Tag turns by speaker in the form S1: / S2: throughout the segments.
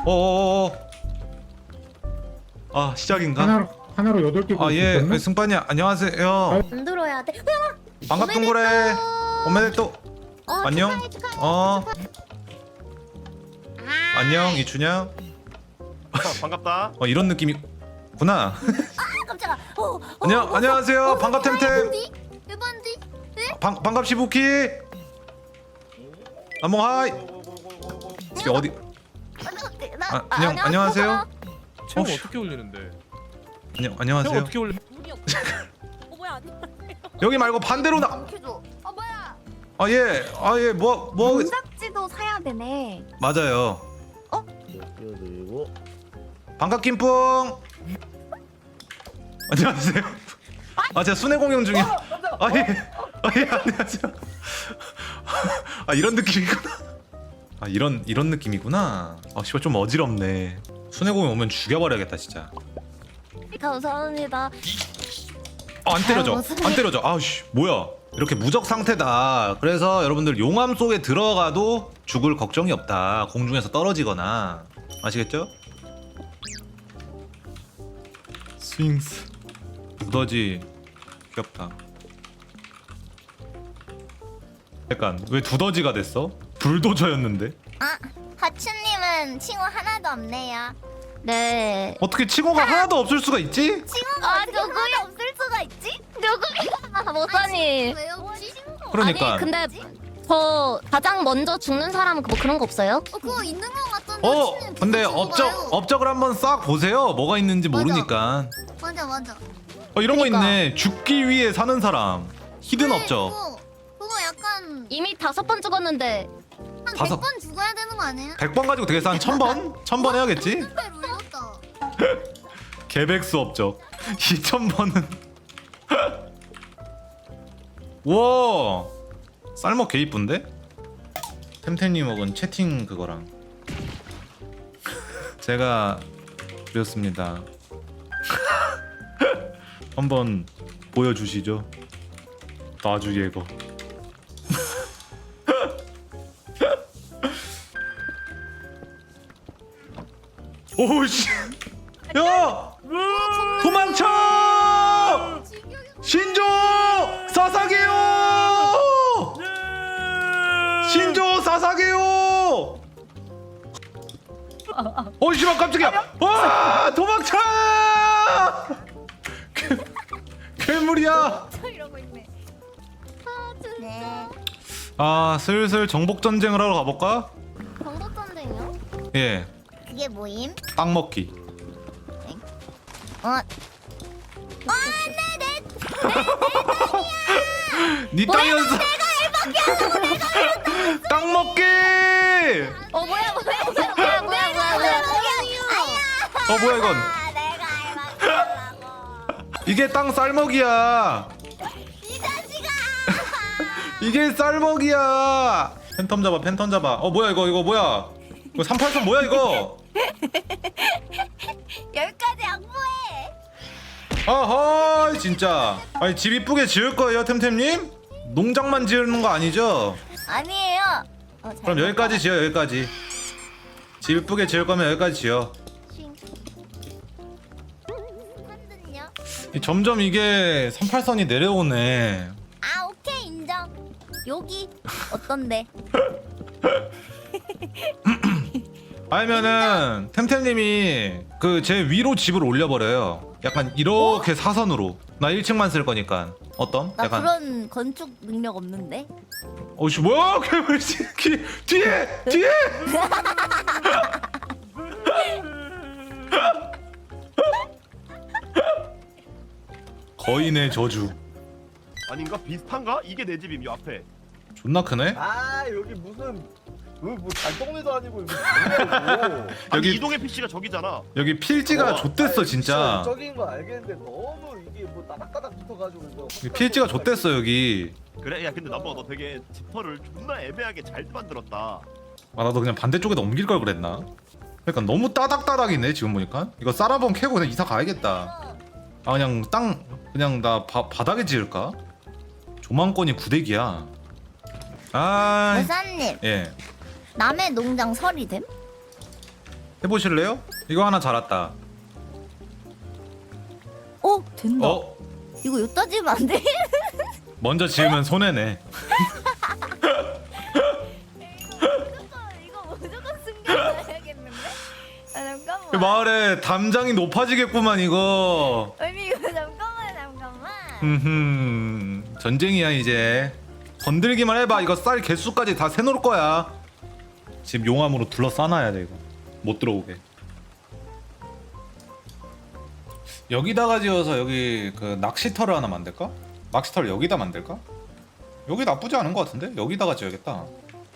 S1: 어어어. 아 시작인가?
S2: 하나로 8개.
S1: 아 예, 승관이 안녕하세요.
S3: 안 들어야 돼.
S1: 반갑던 거래. 오메데또. 안녕.
S3: 축하해.
S1: 안녕 이춘향.
S4: 반갑다.
S1: 이런 느낌이구나.
S3: 깜짝아.
S1: 안녕하세요. 반갑 템템.
S3: 일반디.
S1: 반갑 시부키. 남몽 하이. 이게 어디? 안녕하세요.
S5: 체험
S1: 혹시-
S5: 어떻게 올리는데? 체험
S1: 안녕하세요.
S5: 어떻게 올리?
S3: 뭐야?
S1: 여기 말고 반대로 나.
S3: 켜줘. 뭐야?
S1: 예. 뭐
S3: 문작지도 사야 되네.
S1: 맞아요.
S4: 그리고
S1: 반갑 김뿡. 안녕하세요. 제가 순회 공연 중이야. 예, 안녕하세요. 이런 느낌이구나. 이런 느낌이구나. 씨발 좀 어지럽네. 순회 공연 오면 죽여버려야겠다 진짜.
S3: 감사합니다.
S1: 안 때려져.
S3: 무슨
S1: 안 때려져. 아우씨 뭐야. 이렇게 무적 상태다. 그래서 여러분들 용암 속에 들어가도 죽을 걱정이 없다. 공중에서 떨어지거나. 아시겠죠? 스윙스. 두더지 귀엽다. 약간 왜 두더지가 됐어? 불도저였는데?
S6: 하츠님은 친구 하나도 없네요.
S3: 네.
S1: 어떻게 칭호가 하나도 없을 수가 있지?
S6: 친구가 누구야 없을 수가 있지?
S3: 모사님.
S6: 왜 없지?
S1: 그러니까.
S3: 아니 근데 저 가장 먼저 죽는 사람은 뭐 그런 거 없어요?
S6: 그거 있는 거 같던데. 하츠님
S1: 근데
S6: 그거 봐요.
S1: 업적을 한번 싹 보세요. 뭐가 있는지
S6: 맞아.
S1: 모르니까.
S6: 맞아.
S1: 이런 거
S3: 그러니까.
S1: 있네. 죽기 위해 사는 사람. 히든
S6: 네,
S1: 업적.
S6: 그거 약간
S3: 이미 5번 죽었는데.
S6: 한
S1: 다섯-
S6: 100번 죽어야 되는 거 아니에요?
S1: 100번 가지고 되겠어. 한 1000번? 1000번 해야겠지?
S6: 근데 룰렸다.
S1: 개백수 업적. 2000번은. 와. 쌀먹 개 이쁜데? 템템님 먹은 채팅 그거랑. 제가 그렸습니다. 한번 보여주시죠. 나주 예거. 오씨. 야! 도망쳐! 신조! 사사게요! 신조 사사게요! 씨발 깜짝이야! 와! 도망쳐! 괴물이야!
S6: 이러고 있네.
S1: 슬슬 정복 전쟁을 하러 가볼까?
S6: 정복 전쟁이요?
S1: 예,
S6: 그게 뭐임?
S1: 땅 먹기. 니 땅이었어. 땅 먹기.
S3: 뭐야?
S1: 뭐야 이건?
S6: 내가 알바하려고.
S1: 이게 땅 쌀먹이야.
S6: 이 자식아.
S1: 이게 쌀먹이야. 팬텀 잡아. 뭐야 이거 뭐야? 이거 383 뭐야 이거?
S6: 여기까지 양보해.
S1: 아하 진짜. 아니 집 이쁘게 지을 거예요 템템님? 농장만 지으는 거 아니죠?
S6: 아니에요.
S1: 그럼 여기까지 지어 여기까지. 집 이쁘게 지을 거면 여기까지 지어.
S6: 한든요?
S1: 점점 이게 38선이 내려오네.
S6: 오케이 인정. 여기 어떤데?
S1: 아니면은 템템님이 그 제 위로 집을 올려버려요. 약간 이렇게 사선으로. 나 1층만 쓸 거니까. 어떤?
S6: 나
S1: 약간.
S6: 그런 건축 능력 없는데.
S1: 씨 뭐야? 괴물 새끼 뒤에. 거인의 저주.
S4: 아닌가? 비슷한가? 이게 내 집임. 이 앞에.
S1: 존나 크네.
S7: 여기 무슨 뭐 달동네도 아니고 이거 뭐냐고.
S4: 여기
S1: 여기-
S4: 이동의 PC가 저기잖아.
S1: 여기 필지가 좆됐어 진짜.
S7: 적인 거 알겠는데 너무 이게 뭐 따닥따닥 붙어가지고 이거.
S1: 필지가 좆됐어 여기.
S4: 그래? 야 근데 남보가 너 되게 지퍼를 존나 애매하게 잘 만들었다.
S1: 나도 그냥 반대쪽에다 옮길 걸 그랬나? 그러니까 너무 따닥따닥이네 지금 보니까. 이거 쌀아번 캐고 그냥 이사 가야겠다. 그냥 그냥 나 바닥에 지을까? 조망권이 9대기야.
S6: 여사님
S1: 예.
S6: 남의 농장 설이 됨?
S1: 해보실래요? 이거 하나 자랐다.
S6: 된다.
S1: 어?
S6: 이거 여기다 지으면 안 돼?
S1: 먼저 지으면 손해네.
S6: 이거 무조건 숨겨놔야겠는데? 아 잠깐만.
S1: 그 마을에 담장이 높아지겠구만 이거.
S6: 아니 이거 잠깐만.
S1: 전쟁이야 이제. 건들기만 해봐. 이거 쌀 개수까지 다 세놓을 거야. 집 용암으로 둘러싸놔야 돼 이거. 못 들어오게. 여기다가 지어서 여기 그 낚시터를 하나 만들까? 낚시터를 여기다 만들까? 여기 나쁘지 않은 것 같은데? 여기다가 지어야겠다.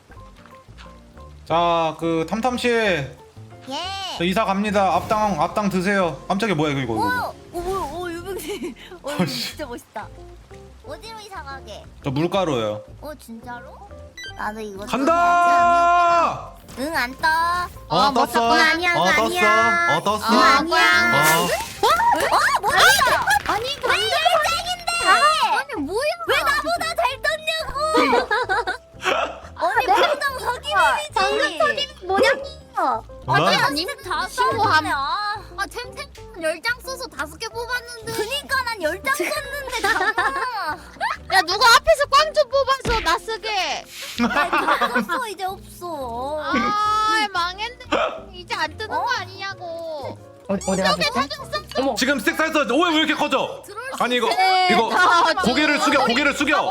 S1: 자, 그 탐탐씨,
S6: 예.
S1: 저 이사 갑니다. 앞당 드세요. 깜짝이야, 뭐야 이거.
S6: 오 유병씨. 이거 진짜 멋있다. 어디로 이사 가게?
S1: 저 물가루요.
S6: 진짜로? 나도 이거
S1: 간다!
S6: 응, 안 떠.
S1: 떴어.
S6: 아니야,
S1: 떴어.
S6: 아니야.
S1: 떴어.
S6: 아니야. 뭐야?
S3: 아니
S6: 왜 짱인데?
S3: 아니 뭐야?
S6: 왜 나보다 잘 떴냐고? 아니 당장 사기맨이지.
S3: 방금 사기 뭐냐고?
S1: 난
S3: 님 다 쓰고 템템 10장 써서 5개 뽑았는데.
S6: 그니까 난 10장 썼는데 잠깐만.
S3: 야 누가 앞에서 꽝 좀 뽑아서 나 쓰게.
S6: 없어 이제 없어.
S3: 아 망했네. 이제 안 뜨는 거 아니냐고.
S2: 어디 가셨어?
S3: 사장 썼어.
S1: 지금 스택 쌓였어. 왜 이렇게 커져? 아니 이거 고개를 숙여.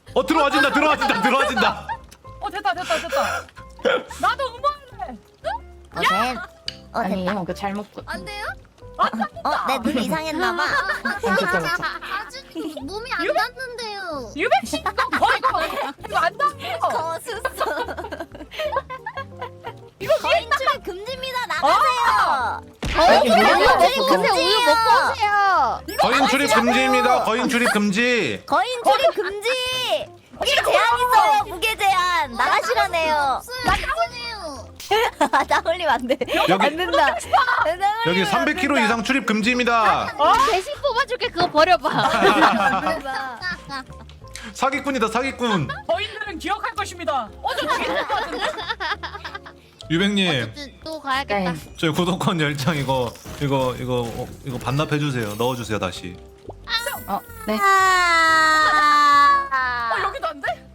S1: 들어와진다.
S2: 됐다. 나도 응원해. 아니에요.
S6: 됐다.
S2: 그 잘못.
S3: 안 돼요?
S6: 내 눈 이상했나봐.
S3: 아직 몸이 안 닿는데요.
S2: 유백씨 이거 안 닿아요.
S6: 거sus어. 이거 거인 출입 금지입니다. 나가세요.
S3: 우유 먹고 오세요.
S1: 거인 출입 금지입니다. 거인 출입 금지.
S6: 거인 출입 금지. 무게 제한 있어요. 무게 제한. 나가시라네요. 나 올리면 안 돼.
S1: 여기-
S6: 안 된다.
S1: 여기 300kg 이상 출입 금지입니다.
S3: 대신 뽑아줄게. 그거 버려봐.
S1: 사기꾼이다 사기꾼.
S2: 저희들은 기억할 것입니다.
S1: 유백님,
S3: 어쨌든 또 가야겠다.
S2: 네.
S1: 저희 구독권 10장 이거 반납해 주세요. 넣어 주세요 다시.
S2: 네. 여기도 안 돼?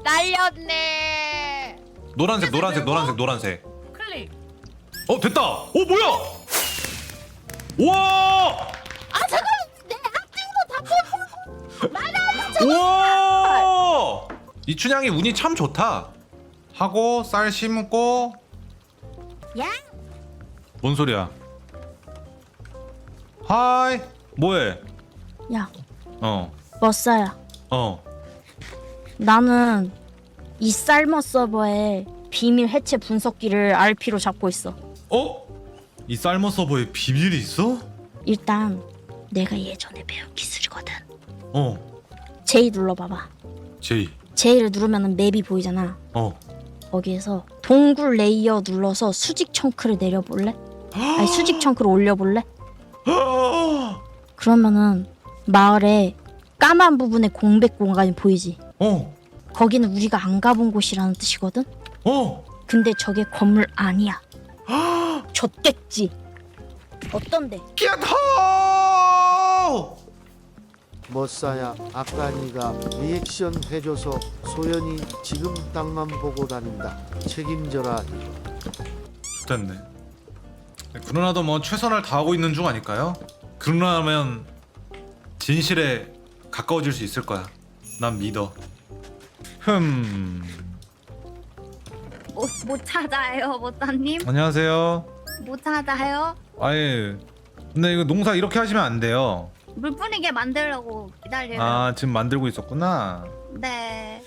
S3: 날렸네.
S1: 노란색.
S2: 클릭.
S1: 됐다. 뭐야? 와! 와! 이춘향이 운이 참 좋다. 하고 쌀 심고.
S6: 야?
S1: 뭔 소리야? 하이. 뭐해?
S8: 야,
S1: 어.
S8: 머싸야. 나는 이 쌀머 서버의 비밀 해체 분석기를 RP로 잡고 있어.
S1: 이 쌀머 서버에 비밀이 있어?
S8: 일단 내가 예전에 배운 기술이거든.
S1: J.
S8: J 눌러봐봐. J를 누르면 맵이 보이잖아.
S1: 어.
S8: 거기에서 동굴 레이어 눌러서 수직 청크를 내려볼래? 아니 수직 청크를 올려볼래? 그러면은 마을에 까만 부분에 공백 공간이 보이지? 거기는 우리가 안 가본 곳이라는 뜻이거든? 근데 저게 건물 아니야. 좆됐지? 어떤데?
S1: 야타!
S9: 머싸야, 아까 네가 리액션 해줘서 소연이 지금 땅만 보고 다닌다. 책임져라.
S1: 됐네. 그러나도 뭐 최선을 다하고 있는 중 아닐까요? 그러나면 진실에 가까워질 수 있을 거야. 난 믿어.
S3: 못 찾아요, 모타님.
S1: 안녕하세요.
S3: 못 찾아요.
S1: 아예 근데 이거 농사 이렇게 하시면 안 돼요.
S3: 물 뿌리게 만들려고 기다려요.
S1: 아 지금 만들고 있었구나.
S3: 네.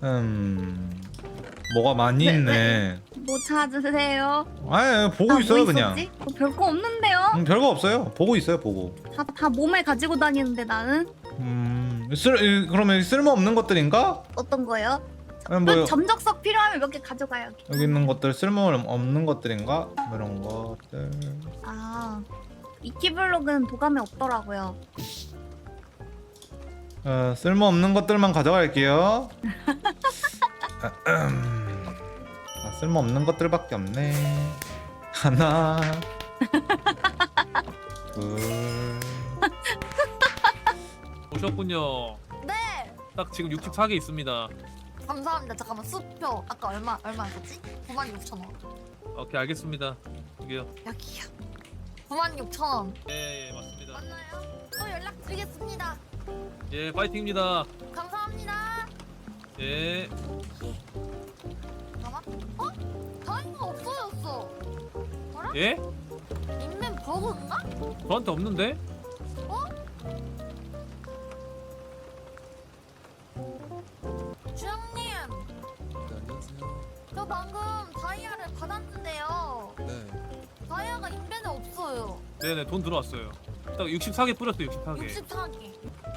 S1: 뭐가 많이
S3: 네,
S1: 있네.
S3: 못 찾으세요.
S1: 아예 보고 있어요 그냥.
S3: 별거 없는데요.
S1: 별거 없어요. 보고 있어요 보고.
S3: 다 몸에 가지고 다니는데 나는
S1: 그러면 쓸모 없는 것들인가?
S3: 어떤 거요?
S1: 아니, 뭐
S3: 점적석 필요하면 몇 개 가져가요.
S1: 여기 있는 것들 쓸모 없는 것들인가? 뭐 이런 것들.
S3: 아, 이키블록은 도감에 없더라고요.
S1: 쓸모 없는 것들만 가져갈게요. 쓸모 없는 것들밖에 없네. 하나 둘
S5: 오셨군요.
S6: 네.
S5: 딱 지금 64개 있습니다.
S6: 감사합니다. 잠깐만 수표 아까 얼마였지? 96,000원.
S5: 오케이 알겠습니다. 여기요.
S6: 여기요. 96,000원.
S5: 예, 맞습니다.
S6: 맞나요? 또 연락드리겠습니다.
S5: 예, 파이팅입니다.
S6: 감사합니다.
S5: 예.
S6: 잠깐만. 어? 다이가 없어졌어.
S5: 예?
S6: 인맨 버그인가?
S5: 저한테 없는데?
S6: 주영님. 저 방금 다이아를 받았는데요.
S10: 네.
S6: 다이아가 인벤에 없어요.
S5: 네네, 돈 들어왔어요. 딱 64개 뿌렸어요, 64개.
S6: 64개.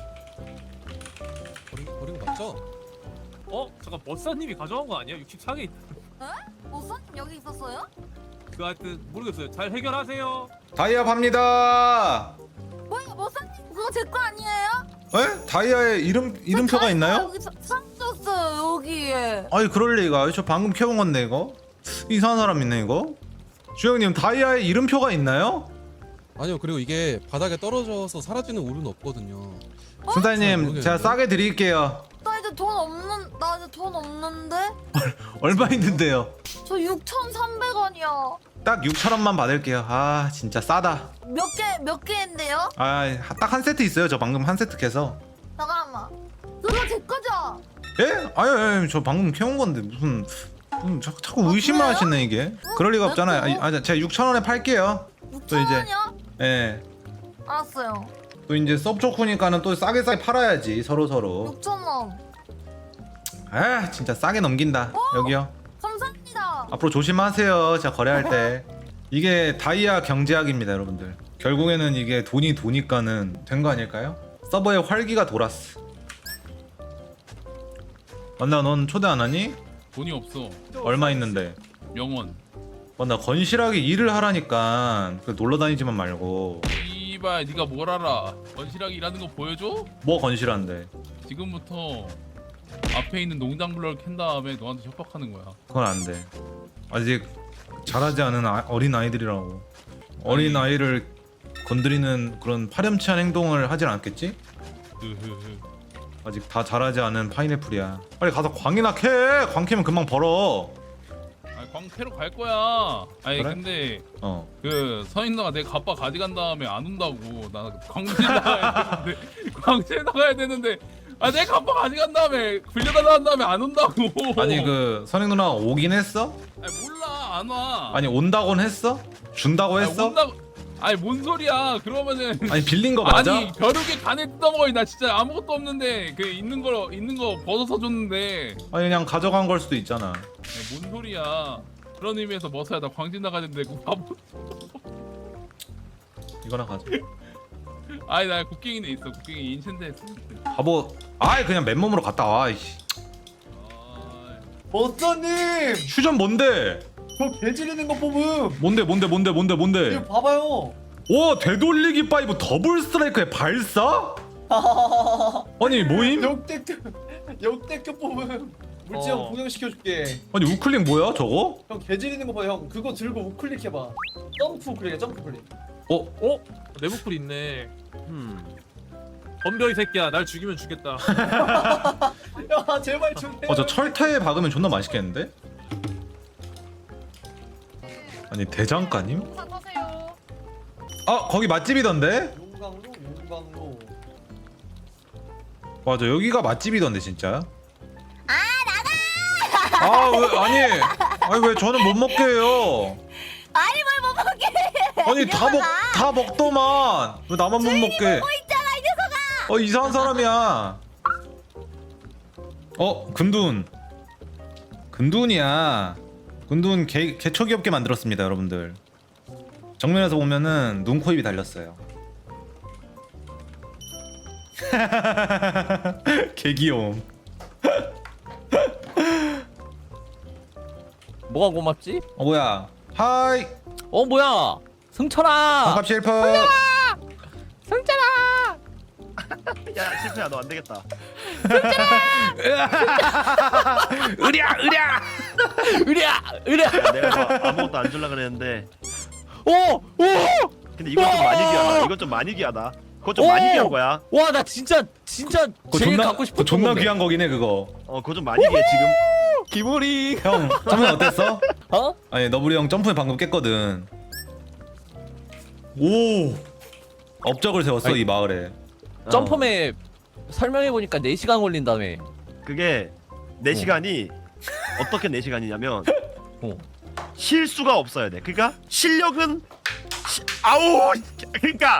S10: 버린 거 맞죠?
S5: 어? 잠깐, 버사님이 가져간 거 아니야? 64개 있...
S6: 모사님 여기 있었어요?
S5: 그 하여튼 모르겠어요. 잘 해결하세요.
S1: 다이아 팝니다.
S6: 뭐야 모사님 그거 제 거 아니에요?
S1: 에? 다이아에 이름표가 있나요?
S6: 여기 상줬어요 여기에.
S1: 아니 그럴 리가. 저 방금 캐온 건데 이거 이상한 사람 있네 이거. 주영님 다이아에 이름표가 있나요?
S10: 아니요. 그리고 이게 바닥에 떨어져서 사라지는 울은 없거든요.
S1: 순사님
S10: 모르겠는데.
S1: 제가 싸게 드릴게요.
S6: 나 이제 돈 없는데?
S1: 얼마 있는데요?
S6: 저 6,300원이요.
S1: 딱 6,000원만 받을게요. 아 진짜 싸다.
S6: 몇 개인데요?
S1: 아 딱 한 세트 있어요. 저 방금 한 세트 캐서.
S6: 잠깐만. 그거 제 거죠?
S1: 예? 아니 저 방금 캐온 건데 무슨 자꾸 의심을
S6: 그래요?
S1: 하시네 이게. 그럴 리가 없잖아요. 제가 6,000원에 팔게요. 또 이제
S6: 6,000원이요?
S1: 예.
S6: 알았어요.
S1: 또 이제 섭 좋고니까는 또 싸게 팔아야지 서로.
S6: 6,000원.
S1: 아 진짜 싸게 넘긴다. 여기요.
S6: 감사합니다.
S1: 앞으로 조심하세요. 제가 거래할 때. 이게 다이아 경제학입니다, 여러분들. 결국에는 이게 돈이 도니까는 된 거 아닐까요? 서버에 활기가 돌았어. 만나 넌 초대 안 하니?
S11: 돈이 없어.
S1: 얼마 있는데?
S11: 명원.
S1: 나 건실하게 일을 하라니까. 놀러 다니지만 말고.
S11: 이발 네가 뭘 알아? 건실하게 일하는 거 보여줘?
S1: 뭐 건실한데?
S11: 지금부터 앞에 있는 농장 블럭을 캔 다음에 너한테 협박하는 거야.
S1: 그건 안 돼. 아직 자라지 않은 어린 아이들이라고. 어린 아이를 건드리는 그런 파렴치한 행동을 하진 않겠지?
S11: 흐흐흐.
S1: 아직 다 자라지 않은 파인애플이야. 빨리 가서 광이나 캐. 광 캐면 금방 벌어.
S11: 아니 광캐로 갈 거야. 아니
S1: 그래?
S11: 근데
S1: 어.
S11: 그 서인너가 내 갑바 가져간 다음에 안 온다고. 나 광질 나가야 되는데 광질 나가야 되는데 아 내 갑바 가져간 다음에 빌려달라 한 다음에 안 온다고.
S1: 아니 그 선행 누나가 오긴 했어?
S11: 아니 몰라 안 와.
S1: 아니 온다곤 했어? 준다고
S11: 아니,
S1: 했어?
S11: 온다고. 아니 뭔 소리야? 그러면은
S1: 아니 빌린 거 맞아?
S11: 아니 벼룩에 간에 뜯어먹어. 나 진짜 아무것도 없는데 그 있는 거 벗어서 줬는데.
S1: 아니 그냥 가져간 걸 수도 있잖아.
S11: 아니, 뭔 소리야? 그런 의미에서 머서야 나 광진 나가는데 그 바보.
S1: 이거나 가져.
S11: 아니 나 국경이네 있어. 국경이 인챈트 했어.
S1: 바보. 아이 그냥 맨몸으로 갔다 와. 이씨.
S7: 버스님
S1: 휴전 뭔데?
S7: 저 개지르는 거 뽑음.
S1: 뭔데?
S7: 이거 봐봐요.
S1: 오 되돌리기 5 더블 스트라이크의 발사? 아니 뭐임?
S7: 역대급 뽑음. 물지형 구경시켜줄게.
S1: 아니 우클릭 뭐야 저거?
S7: 형 개지르는 거 봐 형. 그거 들고 우클릭 해봐. 점프 우클릭해 점프 우클릭.
S5: 어? 내부풀 있네. 덤벼 이 새끼야. 날 죽이면 죽겠다.
S7: 야 제발 좀 해.
S1: 저 철퇴에 박으면 존나 맛있겠는데? 아니 대장가님?
S2: 공사 타세요.
S1: 아 거기 맛집이던데?
S7: 용광로.
S1: 맞아 여기가 맛집이던데 진짜. 아 왜 아니 왜 저는 못 먹게 해요?
S6: 아니 뭘 못 먹게.
S1: 아니 다 먹더만 왜 나만 못 먹게?
S6: 있잖아 이 녀석아.
S1: 이상한 사람이야. 금둔이야. 금둔 개초 귀엽게 만들었습니다 여러분들. 정면에서 보면은 눈, 코, 입이 달렸어요. 개 귀여움.
S12: 뭐가 고맙지?
S1: 뭐야? 하이.
S12: 뭐야? 승철아.
S1: 반갑 셰프.
S12: 승철아.
S4: 야 실패야 너 안 되겠다.
S1: 으랴.
S12: 으랴 으랴.
S4: 야, 내가 뭐 아무것도 안 줄라 그랬는데.
S12: 오!
S4: 근데 이건 좀 많이 귀하다. 이건 좀 많이 귀하다. 그건 좀 많이 귀한 거야.
S12: 와 나 진짜
S1: 그거
S12: 제일
S1: 존나
S12: 갖고 싶은
S1: 그거 존나
S12: 건데.
S1: 귀한 거긴 해 그거.
S4: 그거 좀 많이 귀해 지금.
S12: 기모리.
S1: 형 점프 어땠어?
S12: 어?
S1: 아니 너브리 형 점프에 방금 깼거든. 오 업적을 세웠어
S12: 아니,
S1: 이 마을에.
S12: 점프맵 설명해 보니까 4시간 걸린다며.
S4: 그게 4시간이 어떻게 4시간이냐면
S12: 어.
S4: 실수가 없어야 돼. 그러니까 실력은 아우 그러니까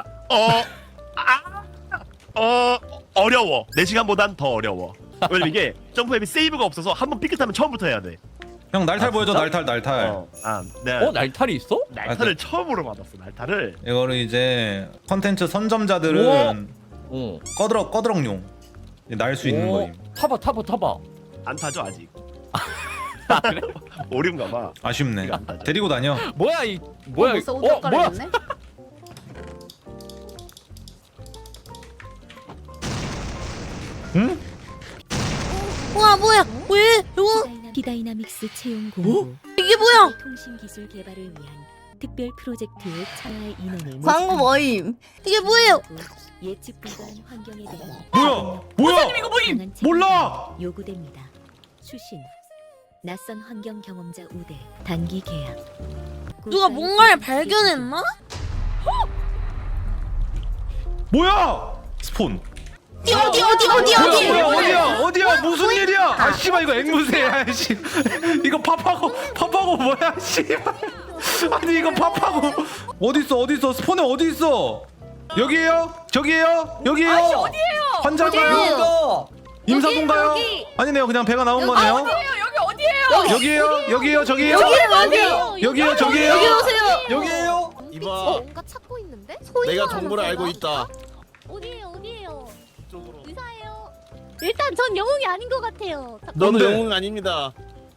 S4: 어려워. 4시간보단 더 어려워. 왜냐면 이게 점프앱이 세이브가 없어서 한번 삐끗하면 처음부터 해야 돼.
S1: 형 날탈
S12: 아,
S1: 보여줘
S12: 진짜?
S1: 날탈.
S4: 내가
S12: 날탈이 있어?
S4: 날탈을 처음으로 받았어. 날탈을.
S1: 이거를 이제 컨텐츠 선점자들은
S12: 어.
S1: 꺼드럭용 날 수 있는 거임.
S12: 타봐.
S4: 안 타죠 아직.
S12: 아, 그래?
S4: 오류인가 봐.
S1: 아쉽네.
S4: 안 타죠.
S1: 데리고 다녀.
S12: 뭐야 이 뭐야?
S2: 벌써 옷
S12: 뭐야?
S2: 갈아입었네?
S1: 응?
S8: 우와 뭐야? 왜?
S6: 비다이나믹스 채용 공고.
S8: 이게 뭐야?
S6: 통신 기술 개발을 위한 특별 프로젝트에 참여할 인원을
S8: 광고 뭐임? 이게 뭐예요?
S6: 예측 불가한 환경에 대한
S1: 뭐야?
S2: 이거 뭐임?
S6: 강한
S1: 몰라!
S6: 책임감이 요구됩니다. 수신 낯선 환경 경험자 우대 단기 계약.
S8: 누가 뭔가를 발견했나?
S1: 뭐야? 스폰. 어디야? 무슨 일이야? 아 씨발 이거 앵무새야. 씨. 이거 팝하고 뭐야? 씨발. 아니 이거 팝하고 어디 있어? 스폰에 어디 있어? 여기에요? 저기에요? 여기에요?
S2: 아저씨 어디에요?
S1: 환자가요? 임사동가요? 아니네요. 그냥 배가 나온 거네요.
S2: 여기 어디에요?
S1: 여기에요? 저기에요? 여기요? 저기에요?
S7: 여기에요. 이봐.
S3: 뭔가 찾고 있는데?
S7: 내가 정보를 알고 있다.
S3: 어디에요?
S7: 이쪽으로.
S3: 의사예요. 일단 전 영웅이 아닌 것 같아요.
S7: 너는
S1: 뭔데?
S7: 영웅 아닙니다.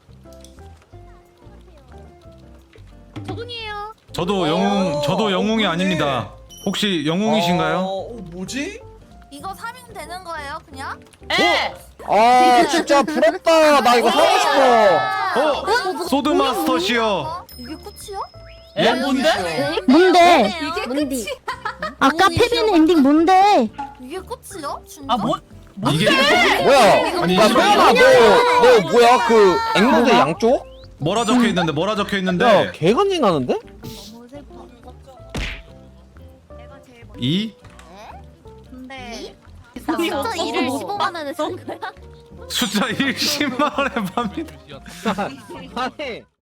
S3: 저분이에요.
S1: 저도 영웅이 아닙니다. 혹시 영웅이신가요?
S10: 뭐지?
S6: 이거 사면 되는 거예요, 그냥?
S2: 예.
S12: 아 진짜 부럽다. 나 이거 사고 싶어.
S1: 소드마스터시여.
S6: 이게 끝이야?
S2: 에 뭔데?
S8: 뭔데?
S6: 이게
S8: 뭔데?
S6: 끝이야?
S8: 아까 패배는 엔딩 뭔데?
S6: 이게 끝이야? 진짜?
S2: 아 뭐?
S1: 이게
S12: 뭐야?
S1: 아니
S12: 야 소연아 너 뭐야 그 앵무새 양쪽?
S1: 뭐라 적혀 있는데?
S12: 개간지 나는데?
S6: 너무 슬퍼. 내가 제일 먼저.
S1: 2
S6: 근데
S3: 진짜 일을 15만 원에 쓴 거야?
S1: 숫자 1 10만 원에 팝니다.
S12: 아니